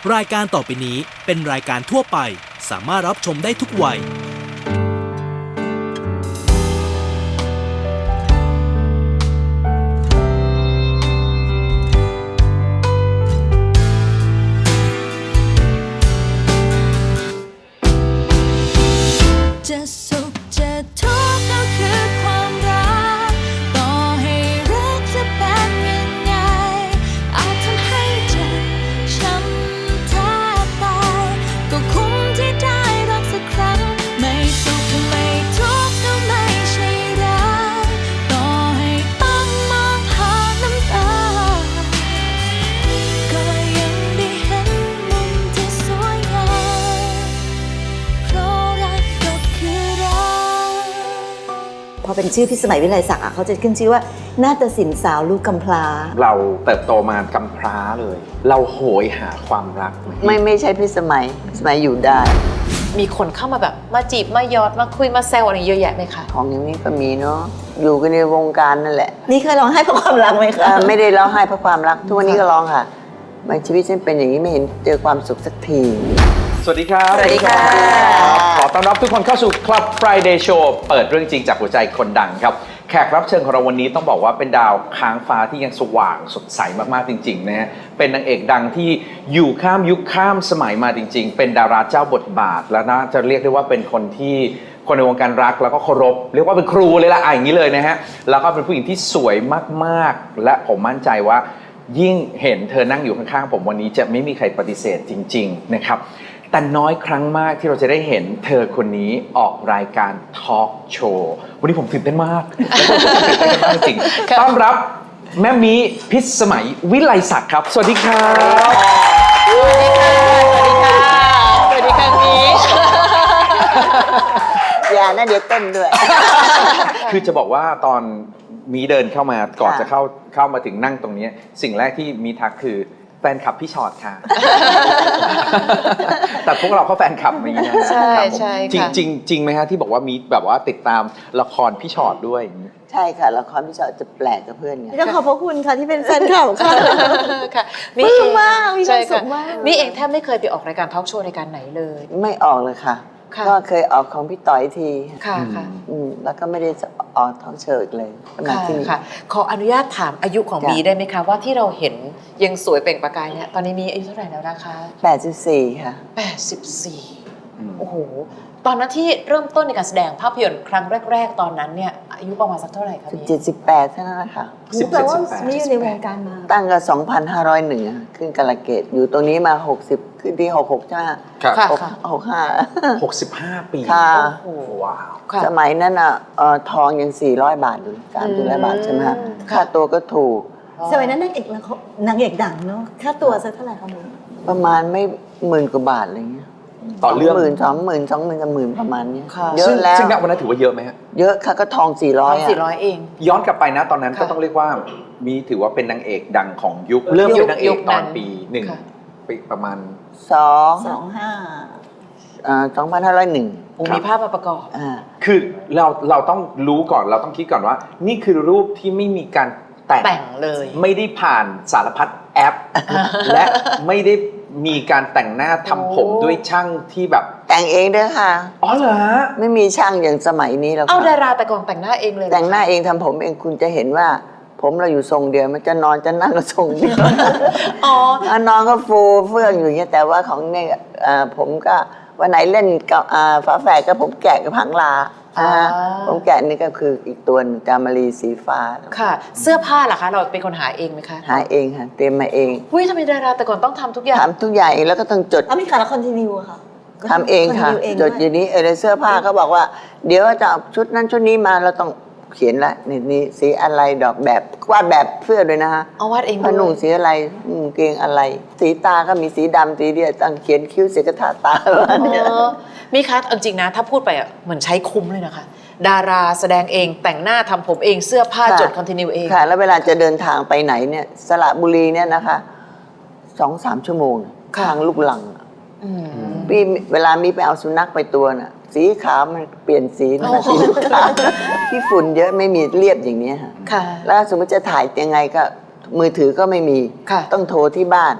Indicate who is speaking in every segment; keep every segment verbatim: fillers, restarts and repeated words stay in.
Speaker 1: รายการต่อไปนี้เป็นรายการทั่วไปสามารถรับชมได้ทุกวัย
Speaker 2: จะสุขจะทุกข์ก็คือความรักต่อให้รักจะเป็นยังไงอาจทำให้เจ็บช้ำแทบตายก็คุ้มที่ได้รักสักครั้งไม่สุขไม่ทุกข์ก็ไม่ใช่รักต่อให้ต้องมองผ่านน้ำตาก็ยังได้เห็นมุมที่สวยงามเพราะรักก็คือรัก
Speaker 3: พอเป็นชื่อพิสมัยวิไลศักดิ์เขาจะขึ้นชื่อว่านาฏศิลป์สาวลูกกำพร้า
Speaker 4: เราเติบโตมากำพร้าเลย เราโหยหาความรัก
Speaker 5: ไม่ไม่ใช่พิสมัยพิสมัยอยู่ได้
Speaker 6: มีคนเข้ามาแบบมาจีบมายอดมาคุยมาแซวอะไรเยอะแยะไหมคะ
Speaker 5: ของอย่างนี้ก็มีเนาะอยู่กันในวงการนั่นแหละ
Speaker 3: นี่เคยร้องไห้เพราะความรักไหมคะ
Speaker 5: ไม่ได้ร้องไห้เพราะความรักทุกวันนี้ก็ร้องค่ะบางชีวิตฉันเป็นอย่างนี้ไม่เห็นเจอความสุขสักที
Speaker 4: สวัสดีครับ
Speaker 5: สวัสดีค่ะ
Speaker 4: ขอต้อนรับทุกคนเข้าสู่ Club Friday Show เปิดเรื่องจริงจากหัวใจคนดังครับแขกรับเชิญของเราวันนี้ต้องบอกว่าเป็นดาวค้างฟ้าที่ยังสว่างสดใสมากๆจริงๆนะฮะเป็นนางเอกดังที่อยู่ข้ามยุคข้ามสมัยมาจริงๆเป็นดาราเจ้าบทบาทและน่าจะเรียกได้ว่าเป็นคนที่คนในวงการรักแล้วก็เคารพเรียกว่าเป็นครูเลยละอ่ะอย่างนี้เลยนะฮะแล้วก็เป็นผู้หญิงที่สวยมากๆและผมมั่นใจว่ายิ่งเห็นเธอนั่งอยู่ข้างๆผมวันนี้จะไม่มีใครปฏิเสธจริงๆนะครับแต่น้อยครั้งมากที่เราจะได้เห็นเธอคนนี้ออกรายการทอล์กโชว์วันนี้ผมตื่นเต้นมากตื่นเต้นมากจริงต้อนรับแม่มีพิสมัยวิไลศักดิ์ครับสวัสดีครับ
Speaker 6: สวัสดีค่ะสวัสดีค่ะสวัสดีค่ะมี
Speaker 5: อย่านะเดี๋ยวเต้นด้วย
Speaker 4: คือจะบอกว่าตอนมีเดินเข้ามาก่อนจะเข้าเข้ามาถึงนั่งตรงนี้สิ่งแรกที่มีทักคือแฟนคลับพี่ชอตค่ะแต่พวกเราก็แฟนคลับมีนะ
Speaker 6: ใช่ใช่
Speaker 4: จริงจริงจริงไหมฮะที่บอกว่ามีแบบว่าติดตามละครพี่ชอตด้วย
Speaker 5: ใช่ค่ะละครพี่ชอตจะแปลกกับเพื่อนไง
Speaker 3: ต้องขอบพระคุณค่ะที่เป็นแฟนคลับค่ะ
Speaker 6: ค่ะ
Speaker 3: มีความมากมีความสุขมาก
Speaker 6: นี่เองแทบไม่เคยไปออกรายการทอล์กโชว์รายการไหนเลย
Speaker 5: ไม่ออกเลยค่ะก็เคยออกของพี่ต่อยที
Speaker 6: ค่ะค่ะ
Speaker 5: แล้วก็ไม่ได้ออกท้องเชิดเลย
Speaker 6: ค่ะค่ะขออนุญาตถามอายุของบีได้ไหมคะว่าที่เราเห็นยังสวยเปล่งประกายเนี่ยตอนนี้มีอายุเท่าไหร่แล้วนะคะ
Speaker 5: แปดสิบสี่ค่ะ
Speaker 6: แปดสิบสี่โอ้โหตอนนั้นที่เริ่มต้นในการแสดงภาพยนตร์ครั้งแรกๆตอนนั้นเนี่ยอายุประมาณสักเท่าไหร่คะ
Speaker 5: สิบเจ็ดสิบแปดเท่านั้นแหละค่ะ
Speaker 3: แปลว่าไม่อยู่ในวงการมา
Speaker 5: ตั้งแต่สองพันห้าร้อยหนึ่งขึ้นกาลเกตอยู่ตรงนี้มาหกสิบขึ้นที่หกหกใช่ไหม
Speaker 4: ค่ะ
Speaker 5: หกห้า
Speaker 4: หกสิบห้าปี
Speaker 5: ค่ะ
Speaker 4: โอ้ว้าว
Speaker 5: สมัยนั้นอ่ะทองยังสี่ร้อยบาทอยู่สามสี่ร้อยบาทใช่ไหมคะค่าตัวก็ถูก
Speaker 3: สมัยนั้นนางเอกนางเอกดังเนาะค่าตัวสักเท่าไหร่คะมึง
Speaker 5: ประมาณไม่หมื่นกว่าบาทอะไรเงี้ย
Speaker 4: ต่อเรื่อง
Speaker 5: หมื่นสองหมื่นสองหมื่นกับหมื่นประมาณนี้
Speaker 4: เยอะแล้วซึ่งณวันนั้นถือว่าเยอะไหมฮะ
Speaker 5: เยอะค่ะก็ทองสี่ร้อย
Speaker 6: สี่ร้อยเอง
Speaker 4: ย้อนกลับไปนะตอนนั้นก็ต้องเรียกว่ามีถือว่าเป็นนางเอกดังของยุคเริ่มเป็นนางเอกตอนปีหนึ่งปีประมาณ
Speaker 5: สอง
Speaker 3: สองห้า
Speaker 5: สองพันห้าร้อยหนึ่ง
Speaker 6: มีภาพมาประกอบ
Speaker 4: คือเราเราต้องรู้ก่อนเราต้องคิดก่อนว่านี่คือรูปที่ไม่มีการ
Speaker 6: แต่งเลย
Speaker 4: ไม่ได้ผ่านสารพัดแอปและไม่ได้มีการแต่งหน้าทำผมด้วยช่างที่แบบ
Speaker 5: แต่งเองด้วยค่ะ
Speaker 4: อ๋อเหรอฮะ
Speaker 5: ไม่มีช่างอย่างสมัยนี้แล้ว
Speaker 6: เอาดาราแต่ก่อนแต่งหน้าเองเลย
Speaker 5: แต่งหน้าเองทำผมเองคุณจะเห็นว่าผมเราอยู่ทรงเดียวมันจะนอนจะนั่งก็ทรงเดียว
Speaker 6: อ๋อ
Speaker 5: นอนก็ฟูเฟื่องอยู่อย่างเงี้ยแต่ว่าของเนี่ยผมก็วันไหนเล่นกับฝาแฝดก็ผมแกะกับผังลาผมแกะนี่ก็คืออีกตัวจามารีสีฟ้า
Speaker 6: ค่ะเสื้อผ้าล่ะคะเราเป็นคนหาเองไหมคะ
Speaker 5: หาเองค่ะเตรียมมาเอง
Speaker 6: หุ้ยทำไมดาราแต่ก่อนต้องทำทุกอย่าง
Speaker 5: ทำทุกอย่างเองแล้วก็ต้องจด
Speaker 3: แล้วมีการละครทีนิวค่ะ
Speaker 5: ทำเองค่ะจดอย่างนี้เออเสื้อผ้าเขาบอกว่าเดี๋ยวจะเอาชุดนั้นชุดนี้มาเราต้องเขียนละนี่นี่สีอะไรดอกแบบวาดแบบเสื้อด้วยนะฮะ
Speaker 6: เอาวาดเอง
Speaker 5: ผ้านุ่งสีอะไรเกงอะไรสีตาก็มีสีดำสีเดียวตั้งเขียนคิ้วเสกทาตา
Speaker 6: เนี่ยมีคะจริงนะถ้าพูดไปอ่ะเหมือนใช้คุ้มเลยนะคะดาราแสดงเองแต่งหน้าทำผมเองเสื้อผ้าจดคอนติเนียเอง
Speaker 5: ค่ะแล้วเวลาจะเดินทางไปไหนเนี่ยสระบุรีเนี่ยนะคะสองสามชั่วโมงทางลูกหลังพี่เวลามีไปเอาสุนัขไปตัวน่ะสีขาวมันเปลี่ยนสีนะสีลูกขาวที่ฝุ่นเยอะไม่มีเรียบอย่างนี้ค่ะแล้วสมมติจะถ่ายยังไงก็มือถือก็ไม่มีต้องโทรที่บ้าน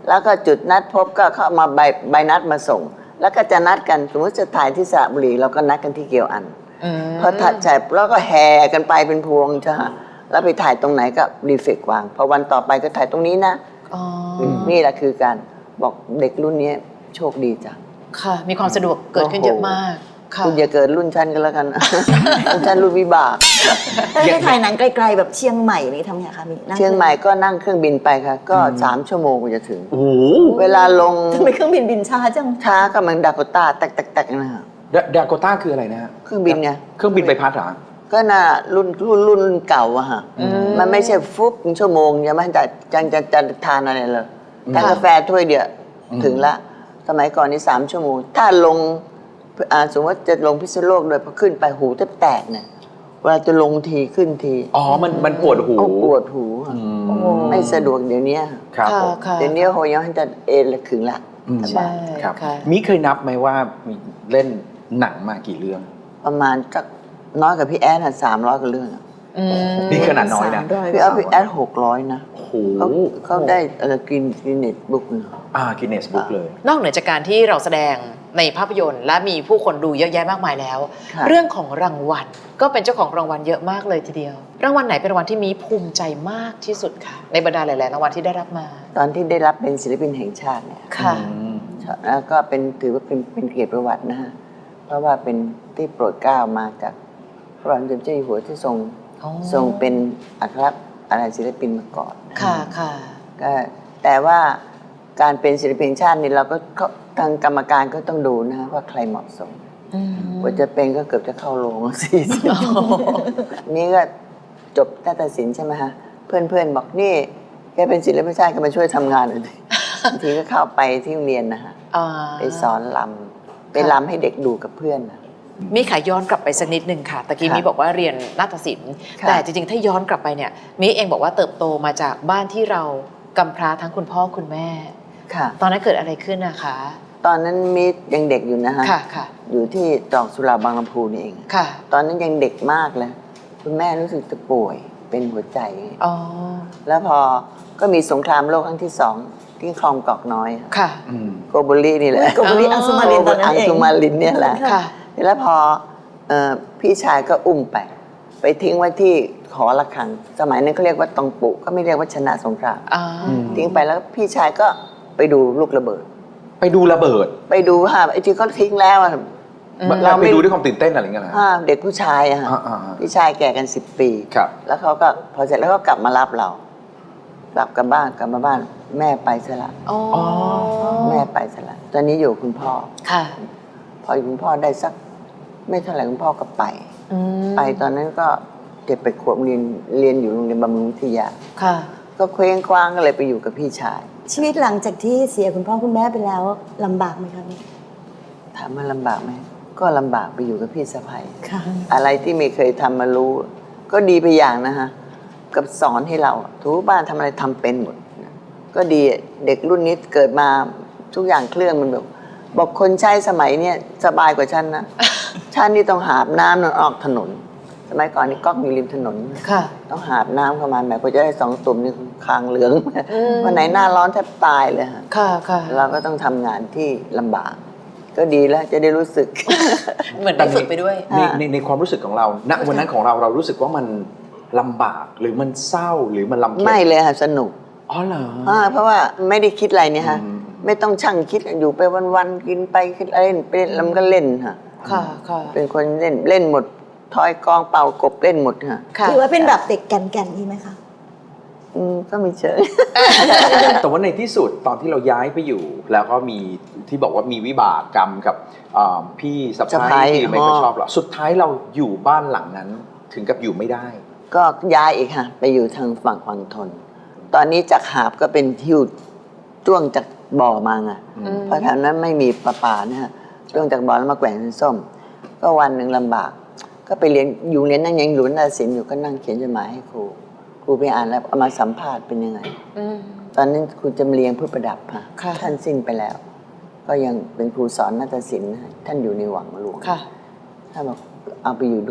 Speaker 5: แล้วก็จุดนัดพบก็เข้ามาใบใบนัดมาส่ง แล้วก็จะนัดกันสมมติจะถ่ายที่สระบุรีเราก็นัดกันที่เกียวอัน
Speaker 6: อืม
Speaker 5: พอถ่ายเสร็จแล้วก็แห่กันไปเป็นพวงจ้ะแล้วไปถ่ายตรงไหนก็รีเฟกวางพอวันต่อไปก็ถ่ายตรงนี้นะ
Speaker 6: อ๋อ
Speaker 5: นี่แหละคือการบอกเด็กรุ่นนี้โชคดีจัง
Speaker 6: ค่ะ มีความสะดวกเกิดขึ้นเยอะมากค่ะ
Speaker 5: คุณอย่าเกิดรุ่นฉันกันแล้วกัน รุ่นฉันรุ่นวิบาก
Speaker 3: ถ้าได้ถ่ายหนังไกลๆแบบเชียงใหม่นี่ทำไงคะมีนั่
Speaker 5: เชียงใหม่ก็นั่งเครื่องบินไปค่ะ ก็สามชั่วโมงกว่าจะถึง
Speaker 4: โอ้โห
Speaker 5: เวลาลง
Speaker 3: ทำไมเครื่องบินบินช้าจัง
Speaker 5: ช้าก็มันดาโกต้าแตกๆๆนะฮะ
Speaker 4: ดาดาโกต้าคืออะไรนะฮะ
Speaker 5: เครื่องบินไง
Speaker 4: เครื่องบินใบพัดเหรอ
Speaker 5: ก็น่ะรุ่นรุ่นรุ่นรุ่นเก่าอะฮะ มันไม่ใช่ฟุบเป็นชั่วโมงยังไม่จะจะจะจะทานอะไรเลยทานกาแฟถ้วยเดียวถึงละ สมัยก่อนนี่สามชั่วโมง ถ้าลงอ่าสมมติว่าจะลงพิษณุโลกโดยพอขึ้นไปหูแทบแตกเนี่ยเวลาจะลงทีขึ้นที
Speaker 4: อ๋อ มันมันปวดหู
Speaker 5: เอาปวดหูอะ
Speaker 4: อืม
Speaker 5: ไม่สะดวกเดี๋ยวนี้
Speaker 4: ครับ
Speaker 6: ค่ะ
Speaker 4: ผม
Speaker 6: ค่ะ
Speaker 5: เดี๋ยวนี้โหยังจะเอนละขึงละ
Speaker 4: อืม
Speaker 5: ส
Speaker 6: ใช่
Speaker 5: บาย
Speaker 4: ครับ
Speaker 6: ค่ะ
Speaker 4: มิเคยนับไหมว่ามีเล่นหนังมากี่เรื่อง
Speaker 5: ประมาณสักน้อยกับพี่แอดสามร้อยกว่าเรื่องอะ
Speaker 6: อืม
Speaker 4: นี่ขนาดน้อยนะ
Speaker 5: พี่แอดพี่แอดหกร้อยนะ
Speaker 4: โอ้โห
Speaker 5: เขาเขาได้อะไรกินกินเน็ตบุ๊กนะ
Speaker 4: อ่ากินเนสบุ๊กเลย
Speaker 6: นอกเหนือจากการที่เราแสดงในภาพยนตร์ และมีผู้คนดูเยอะแยะมากมายแล้ว
Speaker 5: ค่ะ
Speaker 6: เรื่องของรางวัลก็เป็นเจ้าของรางวัลเยอะมากเลยทีเดียว รางวัลไหนเป็นรางวัลที่มีภูมิใจมากที่สุดค่ะ ในบรรดาหลายๆรางวัลที่ได้รับมา
Speaker 5: ตอนที่ได้รับเป็นศิลปินแห่งชาติเนี่ย
Speaker 6: ค่ะ
Speaker 4: อืม
Speaker 5: แล้วก็เป็นถือว่าเป็นเป็นเกียรติประวัตินะฮะ เพราะว่าเป็นที่โปรดเกล้ามาจากพระบาทสมเด็จเจ้าอยู่หัวที่ทรง
Speaker 6: อ๋อ
Speaker 5: ทรงเป็นอัครอะไรศิลปินมาก่อนนะ
Speaker 6: ค่ะค่ะ
Speaker 5: ก็แต่ว่าการเป็นศิลปินแห่งชาตินี่เราก็ก็ทางกรรมการก็ต้องดูนะฮะว่าใครเหมาะสม
Speaker 6: อืม
Speaker 5: กว่าจะเป็นก็เกือบจะเข้าโรง สี่สิบนี่ก็จบนาฏศิลป์ใช่ไหมฮะ เพื่อนๆบอกนี่แกเป็นศิลปินแห่งชาติก็มาช่วยทำงานหน่อยดิ บางทีก็เข้าไปที่โรงเรียนนะฮะ
Speaker 6: อ่า
Speaker 5: ไปสอนลำไปลำให้เด็กดูกับเพื่อนนะ
Speaker 6: มีขายย้อนกลับไปสักนิดหนึ่งค่ะตะกี้
Speaker 5: ค่ะ
Speaker 6: มีบอกว่าเรียนนาฏศิลป์
Speaker 5: ค่ะ
Speaker 6: แต่จริงๆ ถ้าย้อนกลับไปเนี่ยมีเองบอกว่าเติบโตมาจากบ้านที่เรากำพร้าทั้งคุณพ่อคุณแม่
Speaker 5: ค่ะ
Speaker 6: ตอนนั้นเกิดอะไรขึ้นนะคะ
Speaker 5: ตอนนั้นมิตรยังเด็กอยู่นะฮะ
Speaker 6: ค่ะค่ะ
Speaker 5: อยู่ที่ตรอกสุราบางลำพูนี่เอง
Speaker 6: ค่ะ
Speaker 5: ตอนนั้นยังเด็กมากเลย คุณแม่รู้สึกจะป่วยเป็นหัวใจ
Speaker 6: อ๋อ
Speaker 5: แล้วพอก็มีสงครามโลกครั้งที่สองที่คลองกอกน้อย
Speaker 6: ค่ะ
Speaker 4: อืม
Speaker 5: โกโบลีนี่แหละ
Speaker 3: โกโบริอังสุมารินตอนนั้นเอง
Speaker 5: อังสุมารินเนี่ยแหละ
Speaker 6: ค่ะ
Speaker 5: แล้วพอเอ่อพี่ชายก็อุ้มไป ไปทิ้งไว้ที่หอระฆัง สมัยนั้นเขาเรียกว่าตองปุก็ไม่เรียกว่าชนะสงคราม
Speaker 6: อ่า
Speaker 5: ทิ้งไปแล้วพี่ชายก็ไปดูลูกระเบิด
Speaker 4: ไปดูระเบิด
Speaker 5: ไปดูว่าไอ้ที่เขาทิ้งแล้วอะ
Speaker 4: เราไปดูด้วยความตื่นเต้นอะไรอย่างเงี้ยเหรอ
Speaker 5: อ่าเด็กผู้ชายอะฮะ
Speaker 4: อ่าอ่าอ่า
Speaker 5: พี่ชายแก่กันสิบปี
Speaker 4: ครับ
Speaker 5: แล้วเขาก็พอเสร็จแล้วก็กลับมารับเรากลับกลับบ้านกลับมาบ้าน แม่ไปซะละ
Speaker 6: อ๋อ
Speaker 5: แม่ไปซะละตอนนี้อยู่คุณพ่อ
Speaker 6: ค่ะ
Speaker 5: พออยู่คุณพ่อได้สัก ไม่เท่าไหร่คุณพ่อก็ไป
Speaker 6: อืม
Speaker 5: ไปตอนนั้นก็เจ็ดไปขวบเรียนเรียนอยู่โรงเรียนบำรุงวิทยา
Speaker 6: ค่ะ
Speaker 5: ก็เคว้งคว้างก็เลยไปอยู่กับพี่ชาย
Speaker 3: ชีวิตหลังจากที่เสียคุณพ่อคุณแม่ไปแล้วลำบากไหมคะนี่
Speaker 5: ถามว่าลำบากไหมก็ลำบากไปอยู่กับพี่สะใภ้
Speaker 3: ค่ะ
Speaker 5: อะไรที่ไม่เคยทำมารู้ ก็ดีไปอย่างนะฮะกับสอนให้เราทุกบ้านทำอะไรทำเป็นหมด ก็ดีเด็กรุ่นนี้เกิดมาทุกอย่างเครื่องมันแบบบอกคนใช้สมัยเนี้ยสบายกว่าฉันนะ ฉันนี่ต้องหาบน้ำนอนออกถนน สมัยก่อนนี่ก๊อกอยู่ริมถนน
Speaker 6: ค่ะ
Speaker 5: ต้องหาบน้ำเข้ามาแหมกว่าจะได้สองตุ่มนี่คางเหลือง
Speaker 6: อืม
Speaker 5: วันไหนหน้าร้อนแทบตายเลยฮะ
Speaker 6: ค่ะค่ะ
Speaker 5: เราก็ต้องทำงานที่ลำบาก ก็ดีแล้วจะได้รู้สึก
Speaker 6: เหมือนได้ฝึกไปด้วย
Speaker 4: ในในในความรู้สึกของเรา ณ วันนั้นของเราเรารู้สึกว่ามันลำบากหรือมันเศร้าหรือมันลำเค็ญ
Speaker 5: ไม่เลยค่ะสนุก
Speaker 4: อ๋อเหรอ
Speaker 5: อ่าเพราะว่าไม่ได้คิดอะไรเนี่ยฮะ
Speaker 4: อืม
Speaker 5: ไม่ต้องช่างคิดอยู่ไปวันๆกินไปคิดเล่นไปเล่นแล้วมันก็เล่นฮะ
Speaker 6: ค่ะค่ะ
Speaker 5: เป็นคนเล่นเล่นหมดทอยกองเป่ากบเล่นหมดฮะ
Speaker 6: ค่ะ
Speaker 3: ถือว่าเป็นแบบเด็กแก่นๆนี่ไหมคะ
Speaker 5: อืมก็มีเชิง
Speaker 4: แต่ว่าในที่สุดตอนที่เราย้ายไปอยู่ แล้วก็มีที่บอกว่ามีวิบากกรรมกับอ่าพี่สะ
Speaker 5: สะใภ้
Speaker 4: พ้ายที่ไม่ค่อย
Speaker 5: อ๋อ
Speaker 4: ชอบเราสุดท้ายเราอยู่บ้านหลังนั้นถึงกับอยู่ไม่ได้
Speaker 5: ก็ย้ายอีกฮะไปอยู่ทางฝั่งฝั่งทน ตอนนี้จากหาบก็เป็นทิวจ้วงจากบ่อมาไง
Speaker 6: อืม
Speaker 5: เพราะแถวนั้นไม่มีประปานะฮะจ้วงจากบ่อแล้วมาแกว่งเป็นส้ม ก็วันหนึ่งลำบาก ก็ไปเรียนอยู่เรียนนั่งยังหลุนนาศิลป์อยู่ก็นั่งเขียนจดหมายให้ครูครูไปอ่านแล้วเอามาสัมภาษณ์เป็นยังไง
Speaker 6: อืม
Speaker 5: ตอนนั้นครูจำเรียงผู้ประดับค่ะ
Speaker 6: ค่ะ
Speaker 5: ท่านสิ้นไปแล้ว ก็ยังเป็นครูสอนนาฏศิลป์นะฮะท่านอยู่ในหวังหลวง
Speaker 6: ค่ะ
Speaker 5: ท่านบอกเอาไปอยู่ด้วย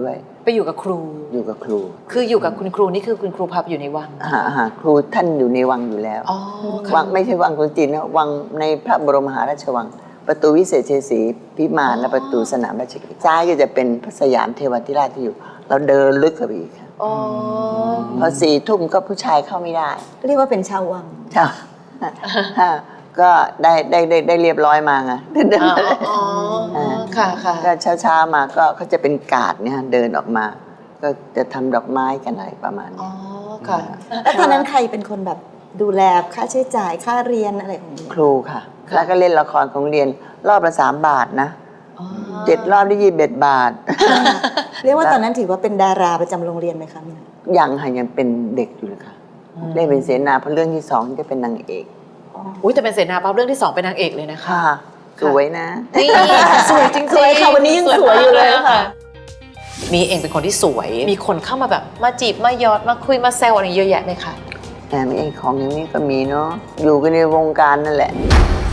Speaker 6: ไปอยู่กับครู
Speaker 5: อยู่กับครู
Speaker 6: คืออยู่กับคุณครูนี่คือคุณครูพาไปอยู่ในวัง
Speaker 5: หาหาครูท่านอยู่ในวังอยู่แล้ว
Speaker 6: อ๋อ
Speaker 5: วั
Speaker 6: ค่ะ
Speaker 5: งไม่ใช่วังคนจีนนะวังในพระบรมมหาราชวัง ประตูวิเศษชัยศรีพิมานและประตูสนามราชกิจซ้ายก็จะเป็นพระสยามเทวทิราชที่อยู่ เราเดินลึกเข้าไปอีกค่ะ
Speaker 6: อ๋อ
Speaker 5: พอสี่ทุ่มก็ผู้ชายเข้าไม่ได้
Speaker 3: เรียกว่าเป็นชาววัง
Speaker 5: ใช่ ก็ได้ได้ได้ได้เรียบร้อยมาไงเดิน
Speaker 6: อ๋อ
Speaker 5: มาเลย
Speaker 6: อ๋อค่ะค่ะ
Speaker 5: ก็เช้าๆมาก็เขาจะเป็นกาดเนี่ยเดินออกมา ก็จะทำดอกไม้กันอะไรประมาณ
Speaker 6: อ๋อ
Speaker 5: นี้
Speaker 6: ค่ะ
Speaker 3: แล้วตอนนั้นใครเป็นคนแบบดูแลค่าใช้จ่ายค่าเรียนอะไรของหนู
Speaker 5: ครูค่ะ
Speaker 6: ค่ะ
Speaker 5: แล้วก็เล่นละครของเรียนรอบละสามบาทนะ
Speaker 6: อ๋อ
Speaker 5: เจ็ดรอบได้ยี่สิบเอ็ดบาท
Speaker 3: เรียกว่าตอนนั้นถือว่าเป็นดาราประจำโรงเรียนไหมคะมิน
Speaker 5: ยังค่ะยังเป็นเด็กอยู่เลยค่ะได้เป็นเสนาเพราะเรื่องที่สองจะเป็นนางเอก
Speaker 6: อุ้ยแต่เป็นเสนาปั๊บเรื่องที่สองเป็นนางเอกเลยนะคะ
Speaker 5: ค่ะ สวยนะ
Speaker 6: นี่สวยจริงๆ
Speaker 3: สวยค่ะวันนี้ยังสวยอยู่เลยค่ะ
Speaker 6: มีเองเป็นคนที่สวย มีคนเข้ามาแบบมาจีบมาหยอดมาคุยมาแซวอะไรเยอะแยะไหมคะ
Speaker 5: แต่ไม่เองของอย่างนี้ก็มีเนาะอยู่กันในวงการนั่นแหละ